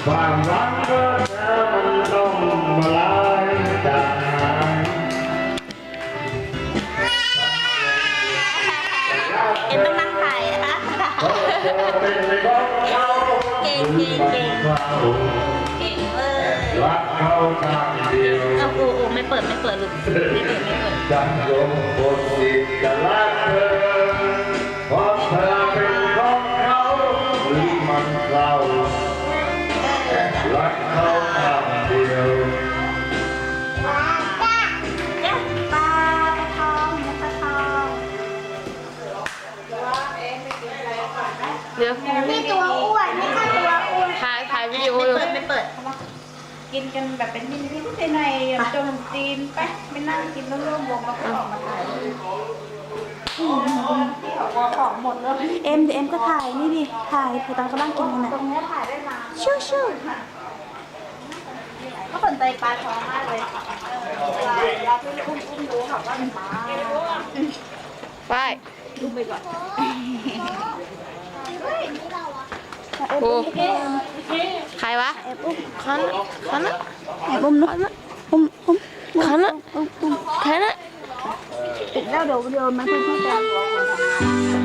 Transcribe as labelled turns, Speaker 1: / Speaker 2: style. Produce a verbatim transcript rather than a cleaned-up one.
Speaker 1: ความรักก็จะมันต้องมาลายจากหาย
Speaker 2: เอ็มต้องนั่งถ่ายนะคะเก่งเก่งเก่งเก่งเว้ย
Speaker 1: รักเขาทางเดียว
Speaker 2: เอาโอ้โอ้ไม่เปิดไม่เปิดลูกไม่เปิดไม่เปิด
Speaker 1: จังยงบนดินจะรักเธอเพราะเธอเป็นของเขาหรือมันเรารักเขาทางเดียว
Speaker 2: จ้ะปลาปลาทองปลาทอง
Speaker 3: เดี๋ยว
Speaker 4: นี่ตัวอ้วนนี่ค่ะตัวอ้วน
Speaker 3: ถ่ายถ่ายวิดีโอ
Speaker 2: ไม่
Speaker 3: อยู่
Speaker 2: เปิดไม่เปิด
Speaker 4: กินกันแบบเป็นมินิพิเศษในจนจีนไปไม่นั่งกินร่วมวงแล้วก็ออกมาถ่ายที่เขาของหมดเลยเอ็มเดี๋ยวเอ็มก็ถ่ายนี่ดิถ่ายถ่ายตอนเขานั่งกินกันนะตรงนี้ถ่ายได้มาชิวชิวก็สนใจปลาทองมากเลยเวลาเวลาที่อุ้มอุ้มดูค่ะว่าเป็นปลา
Speaker 3: ไป
Speaker 4: ดูไปก่อน
Speaker 3: โอ้ใครวะขันขัน
Speaker 4: แอบอุ้มนะอุ้มอุ้ม
Speaker 3: ขันอะ
Speaker 4: อุ้มอุ้ม
Speaker 3: ใครนะ
Speaker 4: ปิดแล้วเดี๋ยวเดี๋ยวมันเพื่อนๆจะ